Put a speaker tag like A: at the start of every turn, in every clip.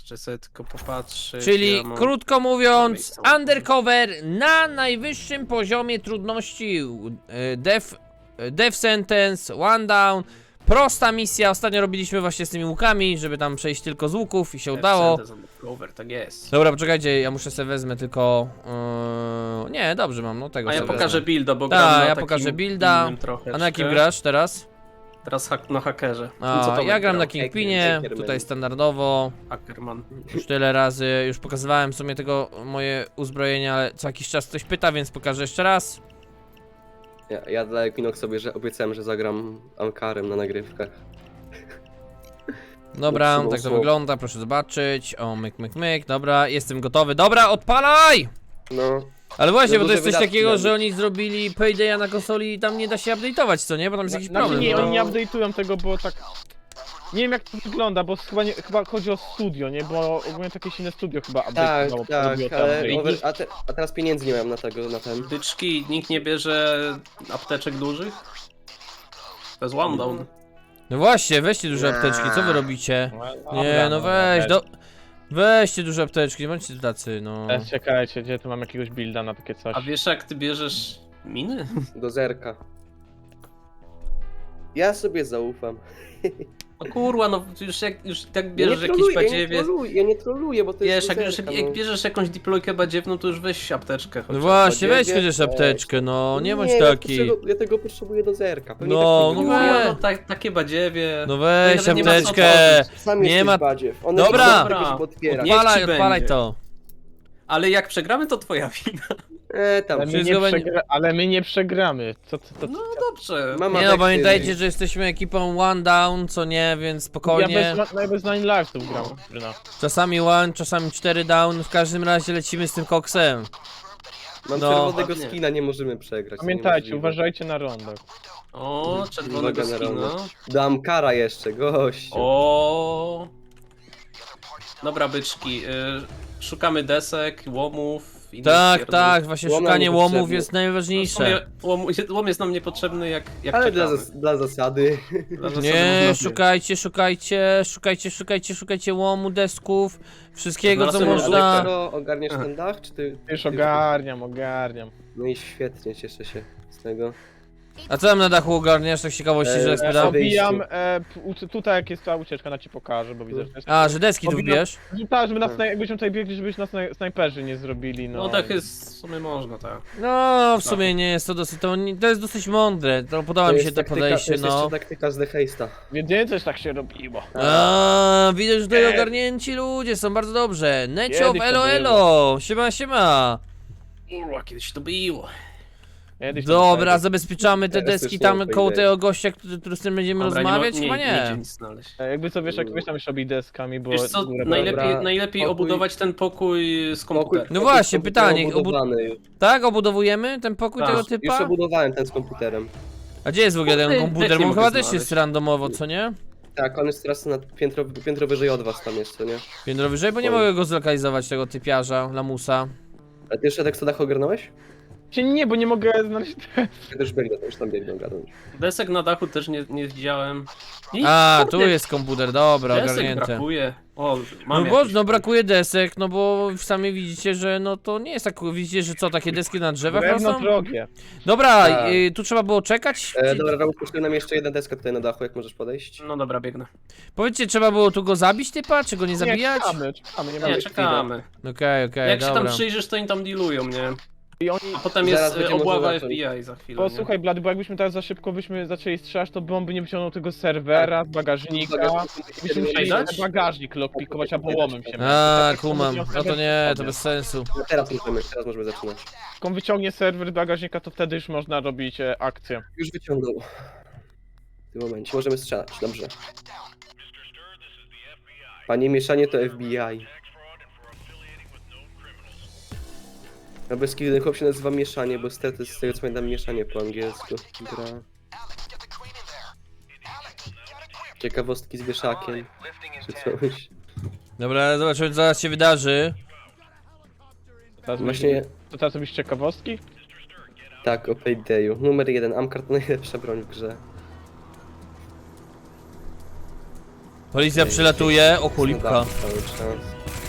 A: Jeszcze sobie tylko popatrzeć.
B: Czyli
A: ja mam...
B: krótko mówiąc,
A: miejsce.
B: undercover na najwyższym poziomie trudności. Death sentence, one down. Prosta misja, ostatnio robiliśmy właśnie z tymi łukami, żeby tam przejść tylko z łuków i się udało.
A: Cover, tak jest.
B: Dobra, poczekajcie, ja muszę sobie wezmę tylko... nie, dobrze mam, no tego
A: A ja
B: sobie
A: pokażę
B: wezmę.
A: builda, bo
B: Tak,
A: gram na
B: ja
A: takim
B: pokażę builda.
A: innym trochę.
B: A na jakim grasz teraz?
A: Teraz na hakerze.
B: A, ja gram na Kingpinie,
C: Hackerman.
B: tutaj standardowo.
A: Hackerman.
B: Już tyle razy, już pokazywałem w sumie tego moje uzbrojenie, ale co jakiś czas ktoś pyta, więc pokażę jeszcze raz.
C: Ja dla Equinox sobie że obiecałem, że zagram Amkarem na nagrywkach.
B: Dobra,
C: Mocno,
B: tak to
C: mocno.
B: wygląda, proszę zobaczyć. O, myk, dobra, jestem gotowy. Dobra, odpalaj!
C: No,
B: Ale właśnie,
C: No
B: bo to
C: duże
B: jest coś
C: wydatki
B: takiego,
C: robić.
B: że oni zrobili Paydaya na konsoli i tam nie da się update'ować, co nie? Bo tam jest jakiś problem.
D: nie,
B: no.
D: oni nie update'ują tego, bo tak... Nie wiem jak to wygląda, bo chyba chodzi o studio, nie? Bo ogólnie to jakieś inne studio chyba
C: tak,
D: update'owało.
C: tak,
D: robiło te
C: ale
D: update'i.
C: a teraz pieniędzy nie mam na tego, na ten.
A: Byczki, nikt nie bierze apteczek dużych? To jest one down.
B: No właśnie, weźcie duże apteczki, co wy robicie? Nie, no weź, weźcie duże apteczki, nie bądźcie tacy, no.
D: Czekajcie, gdzie tu mam jakiegoś builda na takie coś.
A: A wiesz jak ty bierzesz miny?
C: Do zerka. Ja sobie zaufam.
A: No kurwa, no już tak bierzesz
C: Ja nie
A: jakiś
C: troluję,
A: badziewie.
C: ja nie troluję, bo to
A: Wiesz,
C: jest
A: jak,
C: do
A: już,
C: zerka,
A: jak
C: no.
A: bierzesz jakąś diplojkę badziewną, to już weź apteczkę.
B: No
A: chociaż.
B: właśnie, weź
C: Badziewie,
B: chociaż apteczkę, no, nie bądź
C: ja
B: taki.
C: Ja tego potrzebuję do zerka. Pewnie
B: No,
C: tak nie
B: no
C: było.
B: weź.
A: No, takie badziewie.
B: No weź
A: nawet nie ma co
B: apteczkę.
A: tworzyć.
C: Sam
B: Nie
C: jesteś
B: ma-
C: badziew. One
B: Dobra.
C: nie chcą tego, żeby otwierać.
A: Niech ci
B: Odpalaj
A: będzie.
B: to.
A: Ale jak przegramy, to twoja wina.
C: Tam.
D: Ale my nie przegramy. Co?
A: No dobrze.
C: Mama
B: Nie no,
C: tak
B: pamiętajcie,
C: tyle.
B: że jesteśmy ekipą one down, co nie, więc
D: Ja
B: spokojnie.
D: bez Nine Lives tu gram. No.
B: Czasami one, czasami 4 down, w każdym razie lecimy z tym koksem.
C: Mam
B: No.
C: czerwonego
A: Ładnie.
C: skina, nie możemy przegrać. to
D: Pamiętajcie,
C: niemożliwe.
D: uważajcie na rondach.
A: O, czerwonego
C: Uwaga na
A: skina.
C: rondę. Dam kara jeszcze, gościu.
A: O. Dobra, byczki. Szukamy desek, łomów. innych
B: Tak,
A: pierdół.
B: tak, właśnie
C: Łom nam
B: szukanie łomów
C: niepotrzebny.
B: jest
A: No, w
B: najważniejsze.
A: sumie łom jest nam niepotrzebny jak
C: Ale
A: czekamy.
C: dla zasady.
A: Dla zasady
B: Nie,
A: można-
B: szukajcie łomu, desków, wszystkiego co
A: Znalazłem
B: można.
C: To ogarniesz ten dach, czy ty?
D: Już ogarniam.
C: No i świetnie, cieszę się z tego.
B: A co tam na dachu ogarniasz, tak z ciekawości, że tak spytam?
D: Obijam, tutaj jak jest ta ucieczka, na ci pokażę, bo widzę, że jest...
B: A, że deski tu
D: Obijam-
B: wbierz?
D: Tak, żeby nas, jakbyśmy tutaj biegli, żeby nas snajperzy nie zrobili, no.
A: No tak jest, w sumie można, tak.
B: No, w sumie nie jest to dosyć, to jest dosyć mądre, to podoba mi się to podejście,
C: to jest
B: no.
C: jeszcze taktyka z The Heista.
D: Wiedziałem, coś tak się robiło.
B: A, widać, że tutaj ogarnięci ludzie są bardzo dobrze. Neciow,
D: Kiedyś to
B: elo,
D: było.
B: elo, siema.
A: Kurwa, kiedyś to było.
D: Kiedyś to
B: Dobra,
D: było.
B: zabezpieczamy te
C: Teraz
B: deski
C: już nie
B: tam
C: ma
B: koło
C: idei.
B: tego gościa, który z tym będziemy
A: Dobra,
B: rozmawiać?
A: nie,
B: Chyba
A: nie idzie
B: nie.
A: nic znaleźć.
D: Jakby co, wiesz, jak weź tam już robi deskami, bo...
A: Wiesz co,
D: górę-
A: najlepiej
C: Pokój-
A: obudować ten pokój z komputerem.
B: No właśnie, pytanie,
C: Obudowany już.
B: Tak, obudowujemy ten pokój
A: Tak,
B: tego
C: Już
B: typa?
C: obudowałem ten z komputerem.
B: A gdzie jest w ogóle ten
A: Też
B: komputer?
A: nie
B: Bo on
A: mogę
B: chyba też
A: znaleźć.
B: jest randomowo, co nie?
C: Tak, on jest teraz na piętro wyżej od was tam jest, co nie?
B: Piętro wyżej, bo nie
C: Oj.
B: mogę go zlokalizować, tego typiarza, lamusa.
C: A ty jeszcze tak co dach ogarnąłeś?
D: Nie, bo nie mogę znaleźć...
C: Ja też biegnę, to już tam biegnę ogarnąć.
A: Desek na dachu też nie widziałem. I
B: A,
A: kurde,
B: tu jest komputer, dobra,
A: desek
B: ogarnięte.
A: brakuje. O,
B: No
A: mam
B: bo
A: jakieś.
B: no brakuje desek, no bo sami widzicie, że no to nie jest tak, widzicie, że co, takie deski na drzewach
D: Drewno
B: rosną?
D: drogie.
B: Dobra,
C: Tak.
B: tu trzeba było czekać?
C: Dobra, Raul, puszczę nam jeszcze jedna deska tutaj na dachu, jak możesz podejść.
A: No dobra, biegnę.
B: Powiedzcie, trzeba było tu go zabić typa, czy go nie zabijać?
D: Czekamy, nie
A: Nie,
D: mamy
A: czekamy.
B: Okej,
A: Jak się tam
B: dobra.
A: przyjrzysz, to oni tam dealują, nie?
D: I oni...
A: A potem
C: Zaraz
A: jest
C: będzie
A: obława
C: można zacząć.
A: FBI za chwilę.
D: Bo
A: nie?
D: słuchaj, Blady, bo jakbyśmy teraz za szybko zaczęli strzelać, to bomby nie wyciągnął tego serwera, z bagażnika. Byśmy musieli
A: dać?
D: ten bagażnik lockpikować albo łomem się.
B: A,
D: Tak,
B: kumam, no to nie, to bez sensu.
C: No teraz możemy zaczynać.
D: Jak on wyciągnie serwer z bagażnika, to wtedy już można robić akcję.
C: Już wyciągnął. W tym momencie możemy strzelać, dobrze. Panie mieszanie to FBI. No bez kiedy ten chłop się nazywa mieszanie, bo stety z tego co pamiętam mieszanie po angielsku. Gra. Ciekawostki z wieszakiem. Czy coś.
B: Dobra, zobaczymy co zaraz się wydarzy.
D: Teraz
C: Właśnie
D: To teraz robisz ciekawostki?
C: tak, o Paydayu. Numer 1, Amkar to najlepsza broń w grze.
B: Policja przylatuje, o cholipka.
C: Cały czas.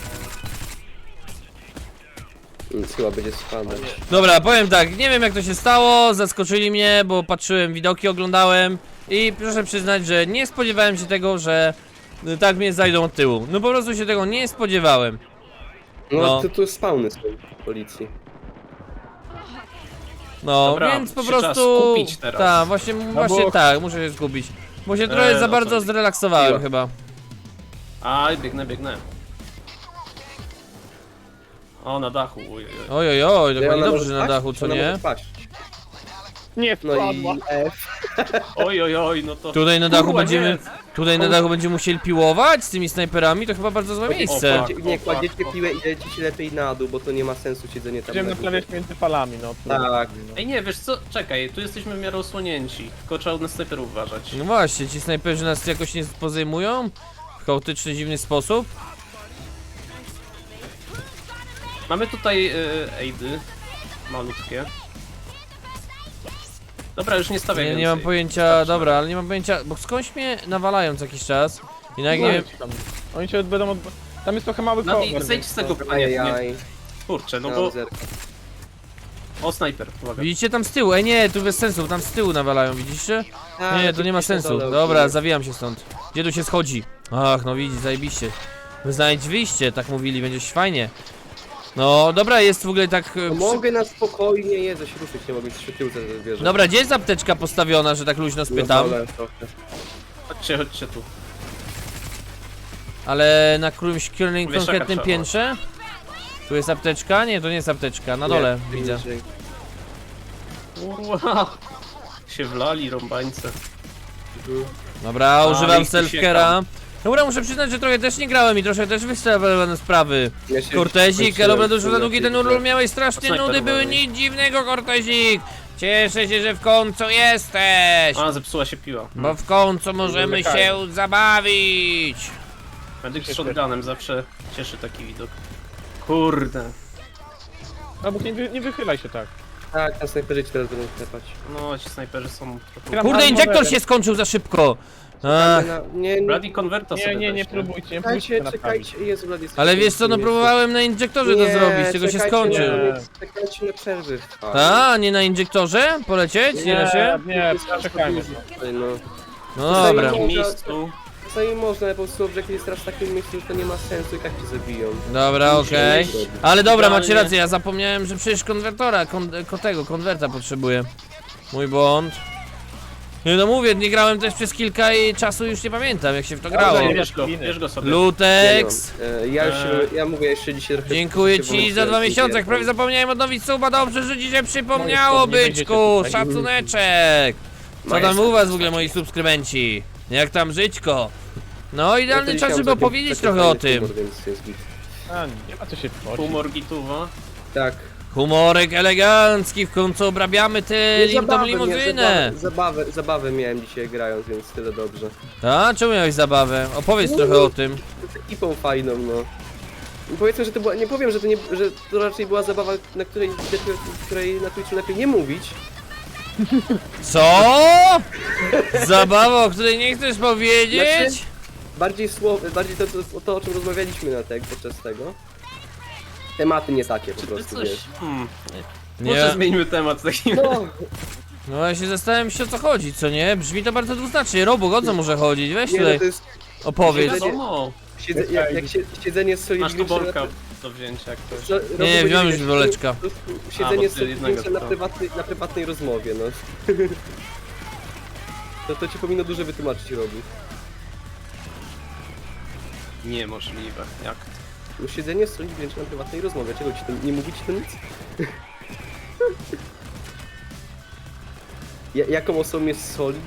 C: Nic chyba będzie spadać.
B: Dobra, powiem tak, nie wiem jak to się stało, zaskoczyli mnie, bo patrzyłem, widoki oglądałem i proszę przyznać, że nie spodziewałem się tego, że tak mnie zajdą od tyłu. No po prostu się tego nie spodziewałem.
C: No,
B: No.
C: tu spawny są policji.
B: No,
A: Dobra,
B: więc po
A: się trzeba
B: prostu...
A: skupić teraz.
B: Tak, właśnie
D: bo-
B: tak, muszę się skupić. Bo się trochę za
A: o
B: bardzo
A: co?
B: zrelaksowałem
C: Miło.
B: chyba.
A: Aj, biegnę. O, na dachu, ojej.
B: Ojojoj, dokładnie
C: Ona
B: dobrze,
C: może
B: że na
C: paść?
B: dachu, co
C: Ona
B: nie?
C: może paść.
D: Nie
C: No i
D: wpadła.
C: F.
A: Ojojoj, no to...
B: Tutaj na dachu
A: Kurwa,
B: będziemy...
A: nie.
B: Tutaj na dachu będziemy musieli piłować z tymi snajperami, to chyba bardzo złe miejsce.
A: fuck.
C: Nie kładziecie piłę i lecicie lepiej na dół, bo to nie ma sensu siedzenie tam
D: Będziemy
C: na górze.
D: naprawiać między falami, no.
C: Tak.
A: Ej, nie, wiesz co, czekaj, tu jesteśmy w miarę osłonięci. Tylko trzeba na snajperów uważać.
B: No właśnie, ci snajperzy nas jakoś nie pozejmują w chaotyczny, dziwny sposób.
A: Mamy tutaj aidy. Malutkie. Dobra, już nie stawiaj
B: Nie,
A: więcej.
B: nie mam pojęcia,
A: Wystarczy.
B: dobra, ale nie mam pojęcia, bo skądś mnie nawalają co jakiś czas. I na nie wiem,
D: Oni cię będą od... Tam jest trochę mały
A: Nadi,
D: cover.
A: zejdź z tego panie. Nie.
C: Ajajaj.
A: Kurczę, no
C: No,
A: bo...
C: zerka.
A: O, snajper, uwaga.
B: widzicie tam z tyłu, nie, tu bez sensu, tam z tyłu nawalają, widzicie?
C: A,
B: Nie, to nie ma
C: gdzieś na
B: sensu,
C: dole
B: dobra,
C: ogólnie.
B: zawijam się stąd. Gdzie tu się schodzi? Ach, no widzisz, zajebiście. Znajdź wyjście, tak mówili, będzie fajnie. No, dobra, jest w ogóle tak...
C: No, mogę na spokojnie jeść, ruszyć, nie mogę się tyłce zwierzę.
B: Dobra, gdzie jest apteczka postawiona, że tak luźno spytam?
A: Chodźcie tu.
B: Ale na którymś
A: Wieszaka
B: konkretnym
A: trzeba.
B: piętrze? Tu jest apteczka? Nie, to nie jest apteczka, na dole widzę.
A: Wow. Się wlali rąbańce.
B: Dobra,
A: A,
B: używam
A: ich tu
B: self-care'a.
A: siekam.
B: Dobra, muszę przyznać, że trochę też nie grałem i trochę też wystawione sprawy.
C: Ja się
B: Kortezik,
C: skończyłem
B: dobra, dużo za
C: w
B: długi
C: ogóle
B: ten urlop
C: piłkę.
B: miałeś strasznie
A: Snajper
B: nudy, były
A: uważaj.
B: nic dziwnego, Kortezik. Cieszę się, że w końcu jesteś.
A: A, zepsuła się piła.
B: Bo w końcu możemy się zabawić.
A: Medyk z shotgunem zawsze cieszy taki widok. Kurde.
D: No bo nie wychylaj się tak.
C: Tak, na snajperzy ci teraz będą klepać.
A: No, ci snajperzy są trochę...
D: Gram
B: Kurde,
D: na
B: injektor
D: modelem.
B: się skończył za szybko. Ach,
C: Nie,
A: Bloody Converta sobie
D: Nie
A: weź,
D: próbujcie, nie próbujcie
C: czekajcie,
D: to naprawić.
C: czekajcie, Jezu, Bloody
B: ale wiesz co, no próbowałem na injektorze to zrobić, tego się skończył.
C: Czekajcie na przerwy.
B: A, nie na injektorze? Polecieć? Nie da się?
D: Nie, czekajmy.
C: No.
B: No dobra.
A: W takim miejscu.
C: Czasami można, ale po prostu jak jest teraz w takim miejscu, to nie ma sensu i tak cię zabiją.
B: Dobra, okej. Ale dobra, macie
A: Idealnie.
B: rację, ja zapomniałem, że przecież konwertora, konwerta potrzebuję. Mój błąd. Nie no mówię, nie grałem też przez kilka i czasu już nie pamiętam jak się w to grało.
D: nie
A: Bierz go sobie.
B: Lutex!
C: Ja mówię jeszcze dzisiaj trochę...
B: Dziękuję ci za 2 miesiące, prawie zapomniałem odnowić suba, dobrze, że ci się przypomniało,
D: nie będziecie
B: byczku,
D: tutaj.
B: szacuneczek! Co tam u was w ogóle, moi subskrybenci? Jak tam żyćko? No, idealny czas, żeby opowiedzieć trochę o tym.
D: A, nie ma co się tworzyć.
A: Humor gituwa.
C: Tak.
B: Humorek elegancki, w końcu obrabiamy tę tą limuzynę.
C: Zabawę miałem dzisiaj grając, więc tyle dobrze.
B: A, czemu miałeś zabawę? Opowiedz trochę o tym.
C: Z ekipą fajną, no. I powiedzmy, że to była, nie powiem, że to raczej była zabawa, na której na Twitchu lepiej nie mówić.
B: Co? Zabawa, o której nie chcesz powiedzieć?
C: Znaczy, bardziej to, o czym rozmawialiśmy podczas tego. Tematy nie takie po
A: Czy ty
C: prostu,
A: coś...
C: wiesz.
A: Może
B: Nie.
A: zmieńmy temat w takim razie.
B: No ja się zastanawiam się o co chodzi, co nie? Brzmi to bardzo dwuznacznie. Robok, o co może chodzić? Weź
C: Nie, no
B: tutaj,
C: to jest
B: opowiedz.
A: Wiadomo.
C: siedzenie z
A: Masz
C: Solid
A: tu bolka do wzięcia jak ktoś.
B: Nie, wziąłem już boleczka.
C: Siedzenie
A: bo
C: z
A: ty
C: Solid
A: jednego
C: na prywatnej rozmowie, no. To ci powinno dużo wytłumaczyć, Robi.
A: Niemożliwe. Jak to?
C: No siedzenie z Solid na prywatnej rozmowie, czego ci tam nie mówić to nic? Jaką osobą jest Solid?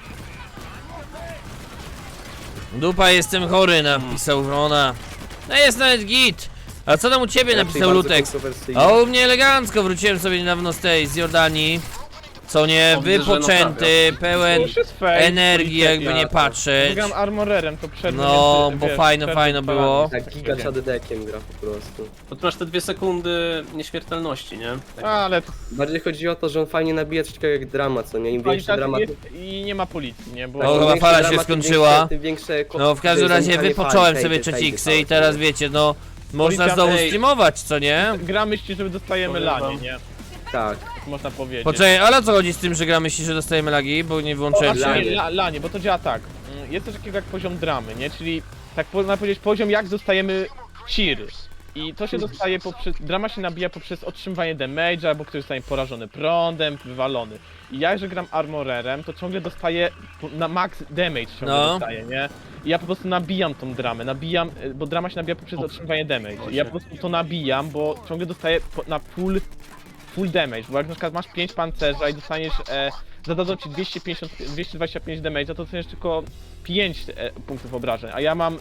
B: Dupa, jestem chory, napisał Wrona. No jest nawet git. A co tam u ciebie,
C: Raczej
B: napisał
C: bardzo
B: Lutex.
C: kontrowersyjny.
B: A u mnie elegancko, wróciłem sobie niedawno z Jordanii. co nie,
A: O, widzę, że
B: wypoczęty, pełen
D: Już jest fake,
B: energii, jakby nie
D: polityka.
B: patrzeć.
D: Gram armorerem, to przerwę
B: No,
D: między,
B: bo
D: wiesz,
B: fajno,
D: przerwę
B: fajno
D: falami.
B: było.
C: Tak, giga czadedekiem gra po prostu.
A: Bo ty masz te 2 sekundy nieśmiertelności, nie? Tak.
D: Ale to
C: Bardziej chodzi o to, że on fajnie nabija coś takiego jak drama, co nie? Im większy dramat...
D: jest i nie ma policji, nie? Bo
B: No,
C: im
B: chyba
C: większy
B: fala się
C: dramat, tym
B: skończyła.
C: większe- tym większe
B: No w każdym razie
C: zamykanie
B: wypocząłem
C: fali,
B: sobie
C: fejdy,
B: 3x
C: fejdy,
B: i teraz
C: fejdy.
B: wiecie, no można
D: Policja-
B: znowu
A: Ej.
B: streamować, co nie?
D: gra myśli, że dostajemy
A: Powiem
D: lanie,
A: wam.
D: nie?
C: Tak.
D: Tak można powiedzieć.
B: Poczekaj, ale o co chodzi z tym, że gramy się, że dostajemy lagi, bo nie wyłączyłem
D: Znaczy,
B: się.
C: lanie.
D: lanie, bo to działa tak. Jest coś takiego jak poziom dramy, nie? Czyli tak można powiedzieć poziom jak dostajemy cheer. I to się dostaje poprzez, drama się nabija poprzez otrzymywanie damage'a, albo ktoś zostanie porażony prądem, wywalony. I ja, że gram armorerem, to ciągle dostaję na max damage ciągle
B: No.
D: dostaję, nie? I ja po prostu nabijam tą dramę, bo drama się nabija poprzez otrzymywanie damage. I ja po prostu to nabijam, bo ciągle dostaję na full damage, bo jak na przykład masz 5 pancerza i dostaniesz, zadadzą ci 225 damage'a, to dostaniesz tylko 5 punktów obrażeń, a ja mam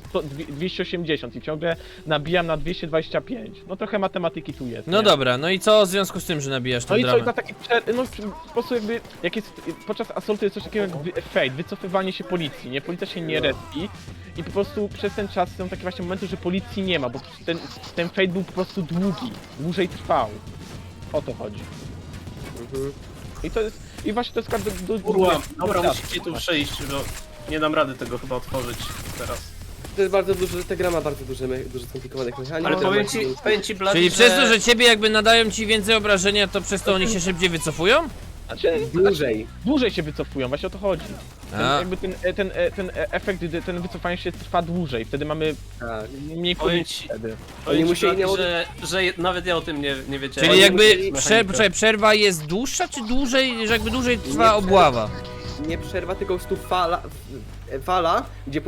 D: 280 i ciągle nabijam na 225. No trochę matematyki tu jest.
B: No
D: nie?
B: dobra, no i co w związku z tym, że nabijasz
D: No
B: tą
D: i co, i
B: dramę?
D: na taki po prostu jakby, jak jest, podczas assaultu jest coś takiego jak fade, wycofywanie się policji, nie? Policja się nie respi i po prostu przez ten czas są takie właśnie momenty, że policji nie ma, bo ten fade był po prostu dłużej trwał. O to chodzi.
C: Mhm.
D: I to jest, i właśnie to jest każdy
A: Kurwa, dobra, musicie tu przejść, bo nie dam rady tego chyba otworzyć teraz.
C: To jest bardzo duży, ta gra ma bardzo dużo skomplikowanych mechanik.
A: Ale
C: która
A: powiem ci Blady,
B: Czyli
A: że...
B: przez to, że ciebie jakby nadają ci więcej obrażenia, to przez to oni się szybciej wycofują?
D: Znaczy,
C: Dłużej.
D: dłużej się wycofują, właśnie o to chodzi.
B: A.
D: Jakby ten efekt, ten wycofanie się trwa dłużej, wtedy mamy
C: Tak.
D: mniej
A: Powiem
D: policji
A: ci,
D: wtedy.
A: powiem ci
C: musieli
A: Blady,
C: nałożyć-
A: że nawet ja o tym nie wiedziałem.
B: Czyli
C: Oni
B: jakby
C: musieli
B: poczekaj, przerwa jest dłuższa, czy dłużej, że jakby dłużej trwa
C: Nie,
B: obława?
C: Nie przerwa, tylko po prostu fala,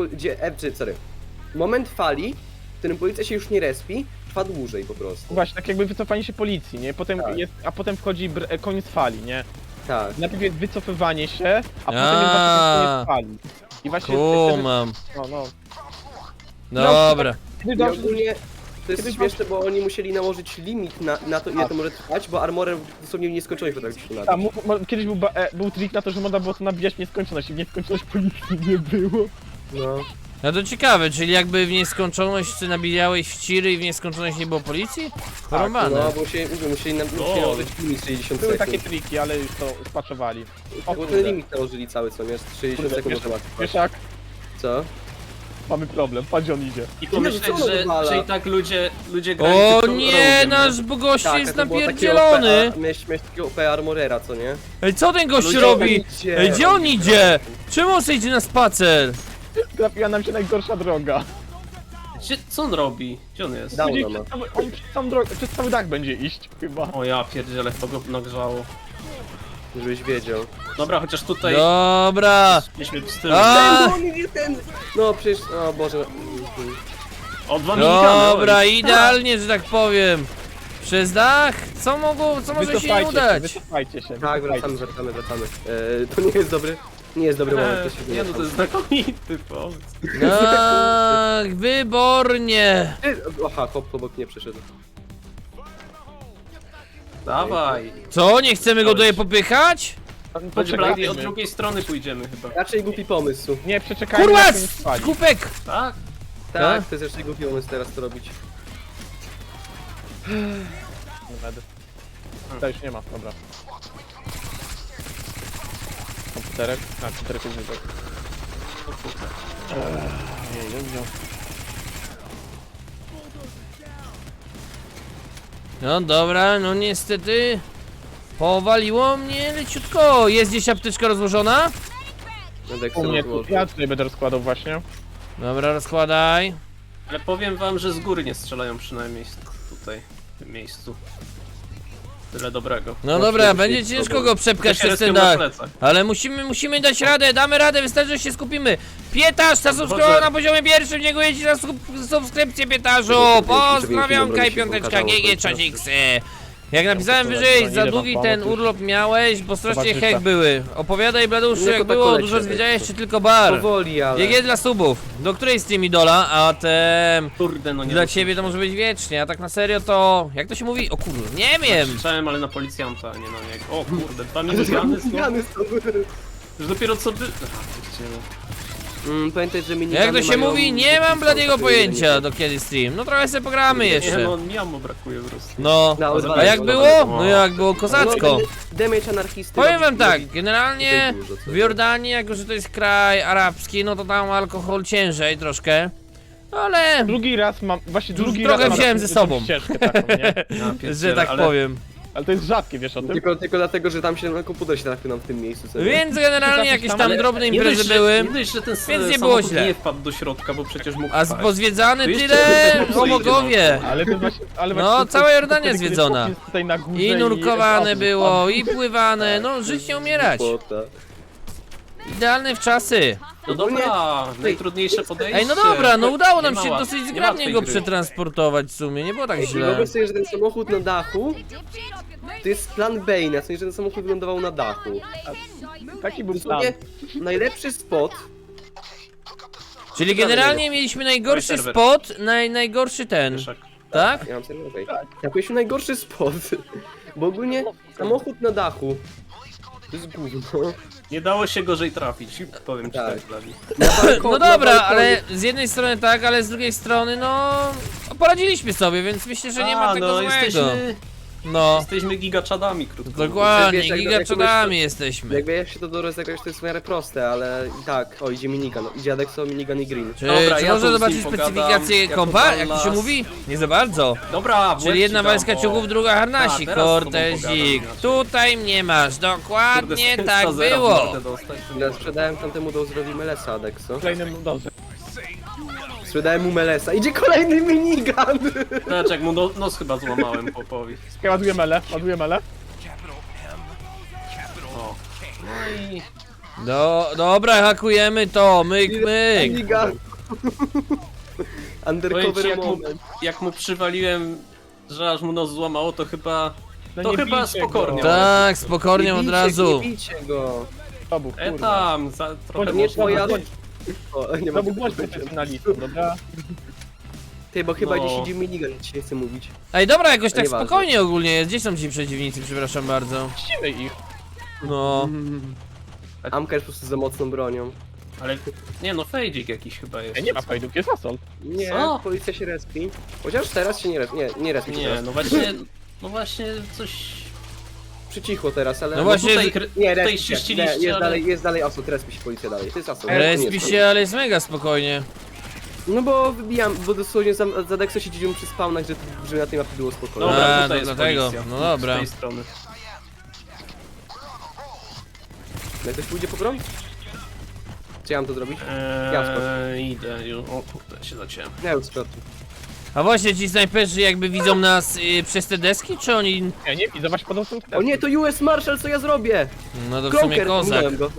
C: moment fali, w którym policja się już nie respi, trwa dłużej po prostu.
D: Właśnie, tak jakby wycofanie się policji, nie? Potem
C: Tak.
D: jest, a potem wchodzi koniec fali, nie?
C: Tak.
D: Najpierw jest wycofywanie się, a potem jest właśnie koniec fali. I właśnie
B: Kumam.
D: no.
B: Dobra.
D: Kiedy
C: I
D: dobrze,
C: ogólnie to jest
D: Kiedyś
C: śmieszne, bo oni musieli nałożyć limit na to, ile to może trwać, bo armorem dosłownie w nieskończoność potrafi się nabić.
D: kiedyś był trik na to, że można było to nabijać w nieskończoność i w nieskończoność policji nie było.
C: No.
B: No to ciekawe, czyli jakby w nieskończoność ty nabijałeś w ciry i w nieskończoność nie było policji? Porąbane.
C: No, bo musieli nałożyć limit 60
D: Były
C: sekund.
D: takie triki, ale już to spaczowali. O
C: Bo ten
D: kurde.
C: limit nałożyli cały, co nie? 60
D: Kurde,
C: sekund
D: wiesz-
C: może łatwo.
D: Wiesz jak?
C: Co?
D: Mamy problem, patrz gdzie on idzie.
A: I
C: co
A: pomyśleć,
C: ono wywala?
A: że i tak ludzie grają
B: O
A: tylko
B: nie,
A: roguem,
B: nasz gość
C: Tak,
B: jest
C: a to było takie
B: napierdzielony!
C: OP, miałeś takiego OP armorera, co nie?
B: Ej, co ten gość
A: Ludzie
B: robi?
C: idzie.
B: Ej, gdzie on idzie? Czemu on sobie idzie na spacer?
D: Trafiła nam się najgorsza droga.
A: Co on robi? Gdzie on jest?
C: Dał
D: Będzie
C: nam.
D: on przez całą drogę, przez cały dach będzie iść chyba.
A: O ja pierdzielę, to go nagrzało.
C: Żebyś wiedział.
A: Dobra, chociaż tutaj
B: Dobra.
A: mieliśmy z tyłu.
B: A!
C: No przecież, o Boże.
A: O, 2 minikany,
B: Dobra,
A: oj.
B: idealnie, że tak powiem. Przez dach? Co może się nie udać?
D: Wycofajcie się.
C: Tak, wracamy. To nie jest dobry moment, to się
A: Nie no, to jest znakomity pomysł.
B: Tak, wybornie.
C: Aha, hop obok nie przeszedł.
A: Dawaj.
B: Co, nie chcemy go tutaj popychać?
A: Chodź Blady, od drugiej strony pójdziemy chyba.
C: Raczej głupi pomysł.
D: Nie, przeczekajmy
B: Kurwa,
D: na koniec fali.
B: skupek!
A: Tak?
C: Tak, to jest raczej głupi pomysł teraz to robić.
D: To już nie ma, dobra. Komputerek? Tak, komputerek jest wyżej.
B: No dobra, no niestety. Powaliło mnie leciutko. Jest gdzieś apteczka rozłożona?
C: Będę
D: U mnie tu, ja tutaj będę rozkładał właśnie.
B: Dobra, rozkładaj.
A: Ale powiem wam, że z góry nie strzelają przynajmniej tutaj, w tym miejscu. Tyle dobrego.
B: No dobra, będzie ciężko go przepchać
A: To się
B: przez ten
A: respią na
B: dach.
A: plecach.
B: Ale musimy dać radę, damy radę, wystarczy, że się skupimy. Pietarz, zasubskrybował na poziomie pierwszym, dziękuję ci za subskrypcję, Pietarzu. Pozdrawiam, Kaj Piąteczka, GG, 3X. Jak napisałem
D: Ja
B: wyżej,
D: muszę
B: za
D: idę
B: długi
D: wam
B: ten
D: pomóc.
B: urlop miałeś, bo strasznie
D: Towarzysza.
B: hek były. Opowiadaj, Bladuszu,
C: Jako
B: jak
C: tak
B: było,
C: kolecie,
B: dużo
C: wiesz.
B: zwiedziałeś, czy tylko bar?
C: Powoli, ale...
B: GG dla subów. Do której stream idola, a te...
A: Kurde, no nie
B: Dla
A: wiem,
B: ciebie to może być wiecznie, a tak na serio to... Jak to się mówi? O kurde, nie wiem!
A: Krzyczałem, ale na policjanta, a nie na niego. O kurde, 2 minigany znowu.
C: Minigany są.
A: Już dopiero co by...
C: Pamiętaj, że minigany
B: Jak to się
C: mają-
B: mówi? Nie mam bladiego
C: takie
B: pojęcia
C: nie-
B: do kiedy stream. No trochę sobie pogramy
A: Nie,
B: jeszcze.
A: no mi ammo brakuje po prostu.
B: No,
C: No,
B: a
C: odwalaj,
B: jak
C: odwalaj.
B: było? No jak było kozacko.
C: No, damage anarchisty.
B: Powiem
C: robi-
B: wam tak,
C: robi-
B: generalnie
C: tutaj dużo, co
B: w Jordanii, jako że to jest kraj arabski, no to tam alkohol ciężej troszkę. Ale,
D: Drugi raz mam, właśnie
B: Już
D: drugi
B: trochę
D: raz mam
B: wziąłem
D: taką
B: ze sobą.
D: ścieżkę taką, nie?
A: Ja
B: że
A: pierdzielę,
B: tak
A: ale-
B: powiem.
D: Ale to jest rzadkie, wiesz o tym?
C: Tylko dlatego, że tam się na komputer się trafił nam w tym miejscu. sobie.
B: Więc generalnie jakieś tam drobne
A: Nie
B: imprezy
A: dość,
B: były.
A: Nie dość, że ten
B: Więc nie
A: samochód
B: było źle.
A: nie wpadł do środka, bo przecież mógł
B: A
A: wpaść.
B: pozwiedzany
A: To jeszcze
B: tyle,
A: kurde,
B: o bogowie.
D: Ale to jest właśnie, ale
B: No,
D: właśnie
B: cała
D: to-
B: Jordania
D: wtedy, kiedy
B: zwiedzona.
D: chłop jest tutaj na górze
B: I nurkowane
D: i-
B: było, i pływane, no żyć nie umierać.
C: Głupota.
B: Idealne w czasy.
A: No dobra, najtrudniejsze podejście.
B: Ej, no dobra, no udało nam
A: Nie
B: się
A: ma
B: dosyć
A: nie
B: zgrabnie
A: łatwej
B: go
A: gry.
B: przetransportować w sumie, nie było tak
C: I
B: źle.
C: wyobraź sobie, że ten samochód na dachu to jest plan Bane'a, w sensie, że ten samochód wylądował na dachu.
D: Taki był plan.
C: Dosłownie najlepszy spot.
B: Czyli generalnie mieliśmy najgorszy
A: serwer.
B: spot, najgorszy ten,
A: Wieszak.
B: tak?
C: Ja mam serwer, okej. Tak, mieliśmy najgorszy spot. Bo ogólnie samochód na dachu to jest gówno.
A: Nie dało się gorzej trafić, powiem ci
C: Tak.
A: tak, Dawid.
B: No dobra, ale z jednej strony tak, ale z drugiej strony no... Poradziliśmy sobie, więc myślę, że nie ma tego
A: no,
B: złego. No,
A: Jesteśmy gigaczadami, krótko
B: dokładnie,
C: Wiesz, jak
B: gigaczadami jesteśmy.
C: Jak wiesz się to do rozegrać, to jest w miarę proste, ale i tak, o idzie minigun, idzie Adexo, minigun i green.
B: Czy,
A: Dobra,
B: czy
A: ja
B: można
A: tu z
B: zobaczyć
A: nim pogadam,
B: specyfikację
A: jako
B: kompa, jak to
A: Dallas.
B: się mówi? Nie za bardzo.
A: Dobra, w łeb
B: Czyli jedna
A: ci dam,
B: walizka
A: o.
B: ciuchów, druga harnasik,
A: A, teraz z tobą
B: Cortezik.
A: pogadam,
B: Tutaj mnie masz,
A: Kurde,
B: dokładnie
A: z
B: tak
A: tasera w
B: było.
A: mordę dostać.
C: Ja sprzedałem tamtemu Dozerowi Melesa, Adexo.
D: Kolejnym, dobrze.
C: Sprzedałem mu Melesa, idzie kolejny minigun!
A: Znaczy, jak mu nos chyba złamałem popowi.
D: Ładuję mele, ładuję mele.
A: O. No i...
B: Dobra, hakujemy to, myk, myk.
C: Minigun!
A: Powiem ci,
C: Undercover moment.
A: jak mu przywaliłem, że aż mu nos złamało, to chyba...
D: No
A: To
D: nie
A: chyba
D: bijcie
A: spokojnie.
D: go.
B: Tak, spokojnie od razu.
C: Nie bijcie go!
D: Robuch, kurwa.
A: Tam, trochę
C: To nie
A: można.
C: twoja... O, nie
D: Robuch,
C: mogę
D: bądź
C: powiedzieć.
D: profesjonalistą, dobra?
C: Ty, bo chyba
A: No.
C: gdzieś idzie minigun, ci nie chcę mówić.
B: Ej, dobra, jakoś tak
C: Nieważne.
B: spokojnie ogólnie jest. Gdzie są ci przeciwnicy, przepraszam bardzo.
D: Ścimy ich.
B: No,
C: Amka jest po prostu za mocną bronią.
A: Ale nie no, fejdzik jakiś chyba jest.
D: Nie ma fajdów, jest assault.
C: Nie,
A: Co?
C: policja się respi. Chociaż teraz się nie respi, nie respi się
A: Nie,
C: teraz.
A: no właśnie coś...
C: Przycichło teraz, ale...
B: No właśnie,
A: tutaj,
C: Nie,
A: tutaj
C: respi się,
A: czyściliście,
C: nie,
A: ale...
C: jest dalej assault, respi się policja dalej, to jest assault.
B: respi
C: koniec.
B: się, ale jest mega spokojnie.
C: No bo wybijam, bo dosłownie za Dexo się dzieliłem przy spawnach, że na tej mapie było spokojnie.
A: Dobra,
B: A,
A: tutaj
B: no
A: jest
B: dlatego,
A: policja.
B: no dobra.
A: Z tej strony.
C: Jak ktoś pójdzie po broń? Czy ja mam to zrobić? Ja wskoczę.
A: Idę już. O kurde, się zaciąłem.
C: Nie, już skoczę.
B: A właśnie ci snajperzy jakby widzą nas przez te deski, czy oni...
D: Nie, nie widzę, właśnie podał
C: O nie, to US Marshal, co ja zrobię?
B: No to w sumie
C: Kroker,
B: kozak.
C: minąłem go.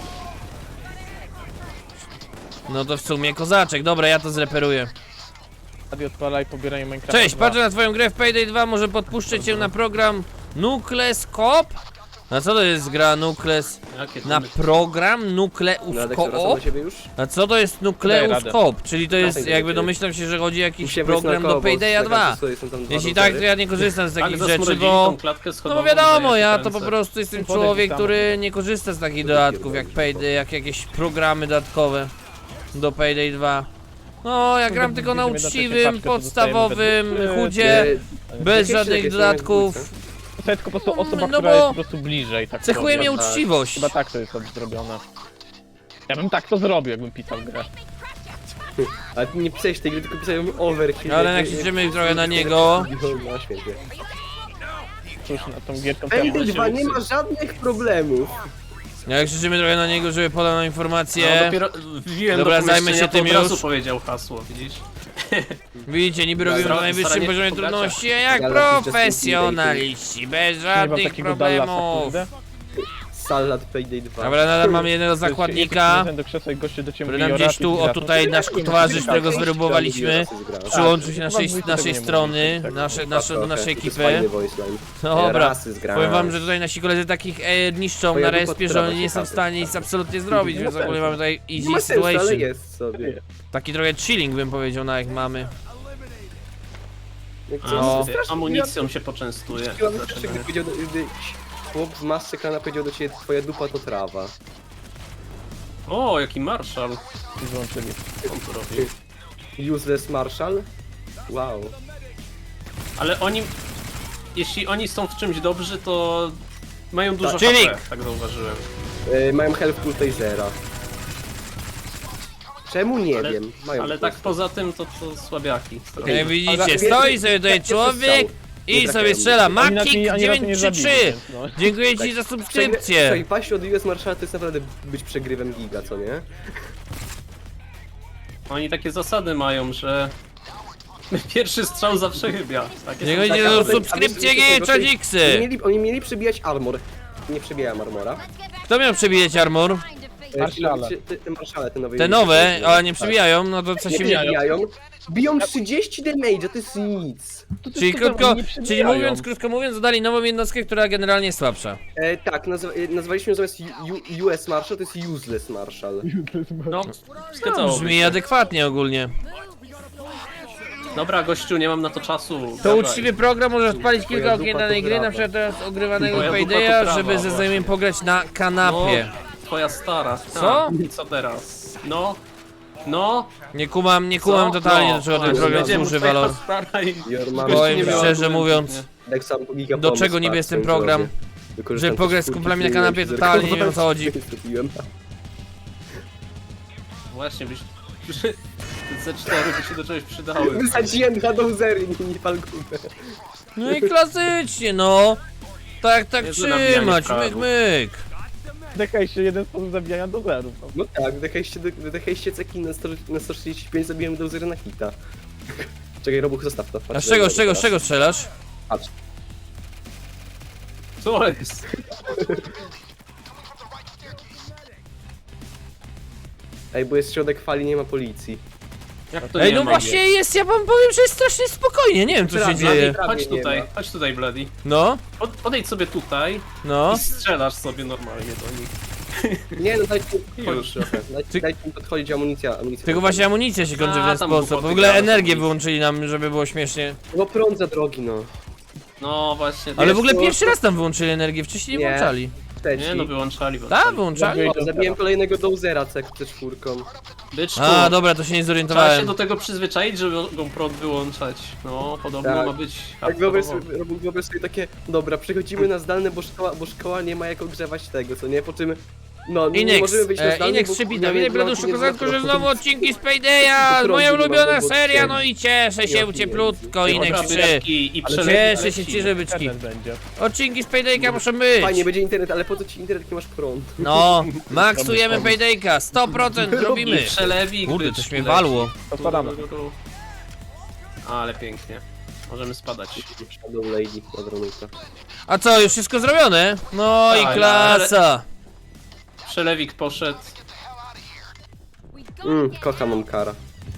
B: No to w sumie kozaczek. Dobra, ja to zreperuję.
D: Radio odpalaj, pobieraj Minecrafta.
B: Cześć,
D: 2.
B: patrzę na twoją grę w Payday 2, może podpuszczę cię na program Nucleus Coop? Na co to jest gra Nucleus?
A: Jakie to
B: Na program Nucleus
C: No, Dexo, wracam
B: Coop?
C: do siebie już?
B: A co to jest
D: Daję
B: Nucleus
D: radę.
B: Coop? Czyli to jest,
C: Dawaj,
B: jakby
C: dawaj.
B: domyślam się, że chodzi o jakiś
C: Musiałem wejść
B: program
C: na
B: do
C: koło, bo
B: Paydaya
C: tak
B: 2.
C: naprawdę są tam dwa
B: Jeśli
C: routery.
B: tak, to ja nie korzystam z
A: Tak,
B: takich
A: zasmrodzili
B: rzeczy,
A: tą
B: bo...
A: klatkę
B: No
A: schodową,
B: bo wiadomo,
A: daje
B: ja
A: się
B: to po
A: ręce.
B: prostu jestem
D: Podejść
B: człowiek,
D: tam.
B: który nie korzysta z takich dodatków jak Payday, jak jakieś programy dodatkowe do Payday 2. No, ja gram tylko na
D: Będziemy na trzeciej
B: uczciwym,
D: paczce, to
B: podstawowym
D: dostajemy we
B: chudzie,
C: Nie,
B: bez
C: jakieś
B: żadnych
C: jakieś
B: dodatków.
D: To jest po prostu osoba,
B: No
D: która
B: bo
D: jest po prostu bliżej, tak
B: Cechuje mnie
D: powiem.
B: uczciwość.
D: Chyba tak to jest zrobione. Ja bym tak to zrobił, jakbym pisał grę.
C: Ale ty nie pisałeś tej gry, tylko pisałem overkill.
B: Ale jak liczymy trochę na niego.
C: No świetnie.
D: Cóż, na tą gierką
C: Payday 2 nie ma żadnych problemów.
B: Jak krzyczymy trochę na niego, żeby podał nam
A: No,
B: informację.
A: dopiero wbiłem
B: Dobra,
A: do
B: zajmę się
A: pomieszczenia,
B: tym
A: to od razu
B: już.
A: powiedział hasło, widzisz?
B: Widzicie, niby robimy na najwyższym
A: staranie
B: poziomie
A: się pogaczać.
B: trudności, a jak
C: Dallas is just
B: profesjonaliści, bez
D: Nie mam
B: żadnych
D: takiego Dallasa,
B: problemów.
D: kurde.
C: Salad Payday 2.
B: Dobra, nadal mamy jednego zakładnika,
D: Do krzesła i goście do ciebie
B: który
D: mówi
B: nam
D: o
B: gdzieś
D: racji
B: tu, o
D: grafów.
B: tutaj nasz towarzysz, którego zwerbowaliśmy, przyłączył się
D: Tak,
B: naszej,
D: chyba
B: naszej
D: nie
B: strony,
D: mówić,
B: do naszej
C: To jest
B: ekipy.
C: fajny voice line.
B: Dobra,
C: Rasy zgrałem.
B: powiem wam, że tutaj nasi koledzy takich niszczą
C: Twoja
B: na
C: dupa
B: respie, że
C: trawa
B: oni nie
C: się
B: są w
C: kapie.
B: stanie nic absolutnie zrobić, więc ogólnie mamy tutaj
C: Nie
B: easy
C: ma sensu, ale
B: situation.
C: jest sobie.
B: Taki trochę chilling bym powiedział, na jak mamy.
C: Jak
A: A,
B: No.
C: strasznie
A: amunicją się poczęstuje.
C: Chciałbym
A: Dlaczego
C: jeszcze,
A: nie?
C: gdy powiedział, gdy chłop z masy klana powiedział do ciebie, twoja dupa to trawa.
A: O, jaki marszal.
D: I złączyli.
A: On tu robi.
C: Useless Marshall? Wow.
A: Ale oni... Jeśli oni są w czymś dobrzy, to... Mają dużo
B: Czyli-
A: HP, tak zauważyłem.
C: Mają help full tasera. Czemu nie
A: Ale-
C: wiem? Mają
A: Ale
C: po
A: tak
C: prostu.
A: poza tym, to słabiaki.
B: Jak widzicie,
C: ale-
B: stoi sobie tutaj
C: Jaki
B: człowiek i
C: Nie
B: sobie
C: trafiają.
B: strzela.
D: Oni nas
B: Makik
D: nie- oni nas nie
B: 933!
D: zabili, więc no.
B: Dziękuję ci za subskrypcję!
C: Słuchaj, paść od US Marshalla to jest naprawdę być przegrywem giga, co nie?
A: Oni takie zasady mają, że... Pierwszy strzał zawsze chybia. Takie
B: Dziękuję
A: są
B: ci
A: zasady.
B: za subskrypcję, nie czadziksy!
C: Oni mieli przebijać armor. Nie przebijałem armora.
B: Kto miał przebijać armor?
D: Marszale.
C: Te marszale, te nowe.
B: Te nowe, ale nie przebijają, no to co
C: Nie
B: się
C: przebijają. Biją 30 damage'a, to jest nic.
B: Czyli czyli krótko mówiąc, dodali nową jednostkę, która generalnie jest słabsza.
C: Tak, nazwaliśmy ją zamiast US Marshall, to jest Useless Marshall.
A: No,
B: No,
A: zgadzałoby
B: brzmi
A: się.
B: adekwatnie ogólnie.
A: Dobra, gościu, nie mam na to czasu.
B: To
A: Dawaj.
B: uczciwy program może odpalić kilka
C: Twoja
B: okien
C: dupa
B: danej
C: to
B: gry, na
C: brawa.
B: przykład teraz ogrywanego
A: Twoja dupa to
B: Paydaya,
A: prawa,
B: żeby ze
A: właśnie.
B: znajomym pograć na kanapie.
A: No, twoja stara.
B: Co?
A: I co teraz? No. No.
B: Nie kumam
A: Co?
B: totalnie,
A: No,
B: do czego ten
A: właśnie,
B: program
A: będziemy
B: służy,
A: twoja
B: Valor.
A: stara i-
C: Your mom-
A: gościu
B: Powiem
A: nie miał
B: szczerze
A: argumentów,
B: mówiąc,
A: nie?
C: Tak samo giga
B: Do
C: pomysł,
B: czego niby
C: patrz,
B: jest ten
C: co
B: program?
C: zrobię. Wykorzystam
B: Żeby
C: te
B: pograć z
C: skórki,
B: kumplami na
C: które
B: kanapie,
C: się
B: totalnie nie wiem, o co
C: zerkowałem,
B: chodzi.
C: zrobiłem.
A: Właśnie, byś... Te C4 by się do czegoś przydały.
C: Wysadziłem dwa dozery, nie palgubę.
B: No i klasycznie, no. Tak
A: Niezłe nabijanie
B: trzymać,
A: fragów.
B: myk.
D: Dekaj się jeden sposób zabijania do zerów. No.
C: No tak, wydechajście ceki na 145, zabiłem dozery na hita. Czekaj, Robuch, zostaw to.
B: A
C: Patrz,
B: z czego,
C: dobra,
B: z czego, z
C: teraz.
B: czego strzelasz?
C: Patrz.
A: Co jest?
C: Ej, bo jest środek fali, nie ma policji.
A: Jak to
B: Ej,
A: nie
B: no
A: ma?
B: właśnie jest, ja wam powiem, że jest strasznie spokojnie, nie wiem co się
C: Prawie,
B: dzieje.
C: prawie
A: Chodź
C: nie ma.
A: chodź tutaj, Bloody.
B: No,
A: Podejdź sobie tutaj
B: no.
A: i strzelasz sobie normalnie do nich.
C: Nie, no dajcie mi
A: Już.
C: podchodzić trochę. Dajcie mi podchodzić, amunicja.
B: Tylko właśnie amunicja się kończy w
A: A,
B: ten
A: tam
B: sposób. W
A: głupoty
B: ogóle
A: gadasz,
B: energię
A: nic.
B: wyłączyli nam, żeby było śmiesznie.
C: No prąd za drogi, no.
A: No właśnie.
B: Ale w ogóle
C: to-
B: pierwszy raz tam wyłączyli energię, wcześniej nie
C: Nie.
B: włączali.
C: Trzeci.
A: Nie no, wyłączali.
B: Tak, wyłączali?
C: O, zabiłem kolejnego dozera C4.
A: Byczku,
B: A, dobra, to się nie
A: trzeba się
B: zorientowałem.
A: do tego przyzwyczaić, żeby go prąd wyłączać. No, podobno
C: Tak.
A: ma być...
C: Tak, wyobraź sobie takie, dobra, przechodzimy na zdalne, bo szkoła nie ma jak ogrzewać tego, co nie? Po czym, no, nie
B: Inex,
C: możemy wyjść na zdalne,
B: Inex
C: bo
B: przypitał,
C: kurde,
B: witaj
C: nie ma-
B: Bladuszu
C: nie ma
B: Kozatko, że
C: prądu.
B: znowu odcinki z Paydaya,
C: Prądu
B: moja
C: nie ma,
B: ulubiona
C: bo
B: seria,
C: ciemno.
B: no i cieszę się
C: Ja
B: u
C: pierdolę.
B: cieplutko, Inex 3.
A: I
D: Ale
A: przeleci.
B: Cieszę się, cieszę byczki.
D: Internet będzie.
B: Odcinki z Paydayka muszą być.
C: Fajnie, będzie internet, ale po co ci internet, jak nie masz prąd?
B: No, maksujemy Paydayka, 100%
A: I
B: robimy.
A: przelewik,
B: Kurde,
A: byczki
B: coś mnie
A: leci.
B: walło.
D: To spadamy.
A: Ale pięknie. Możemy spadać.
C: Shadow Lady, dobra nuta.
B: A co, już wszystko zrobione? No i
A: Tak,
B: klasa.
A: Przelewik poszedł.
C: Kocham Omkara.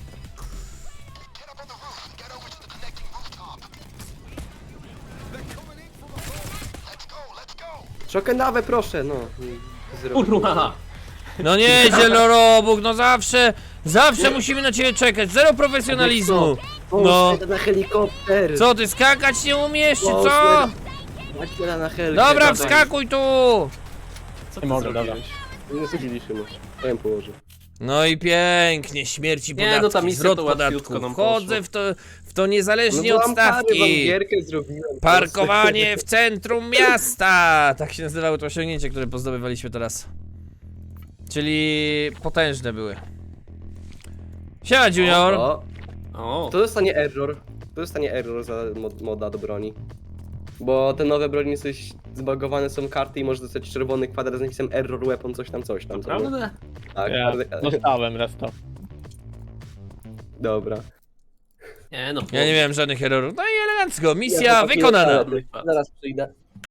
C: Szokenawę, proszę, no. Zrobię.
A: Kurwa!
B: No nie, zielorobuk, no zawsze musimy na ciebie czekać, zero profesjonalizmu. No,
C: Na helikopter!
B: co ty skakać nie umiesz, czy co?
C: Maćmiela na helkę.
B: Dobra,
C: dawaj.
B: wskakuj tu.
A: Co
D: Nie
A: ty
D: mogę,
A: zrobiłeś?
C: Nie zbiliśmy mu. Ja ją położę.
B: No i pięknie, śmierci
A: Nie,
B: podatki,
A: no ta misja
B: zwrot
A: to
B: podatków.
A: łatwiutko nam
B: Wchodzę w to niezależnie
C: bo
B: od
C: Omkary wam
B: stawki.
C: gierkę zrobiłem.
B: Parkowanie w centrum miasta! Tak się nazywało to osiągnięcie, które pozdobywaliśmy teraz. Czyli potężne były. Siema Junior!
C: O,
A: O,
C: to dostanie error. To dostanie error za moda do broni. Bo te nowe broni coś zbagowane są karty i może dostać czerwony kwadrat z napisem error weapon, coś tam, co nie?
A: naprawdę?
C: Tak,
D: Ja dostałem raz to.
C: dobra.
A: Nie no,
B: Ja nie miałem żadnych errorów. No i elegancko, misja
C: Ja to
B: wykonana.
C: Zaraz przyjdę.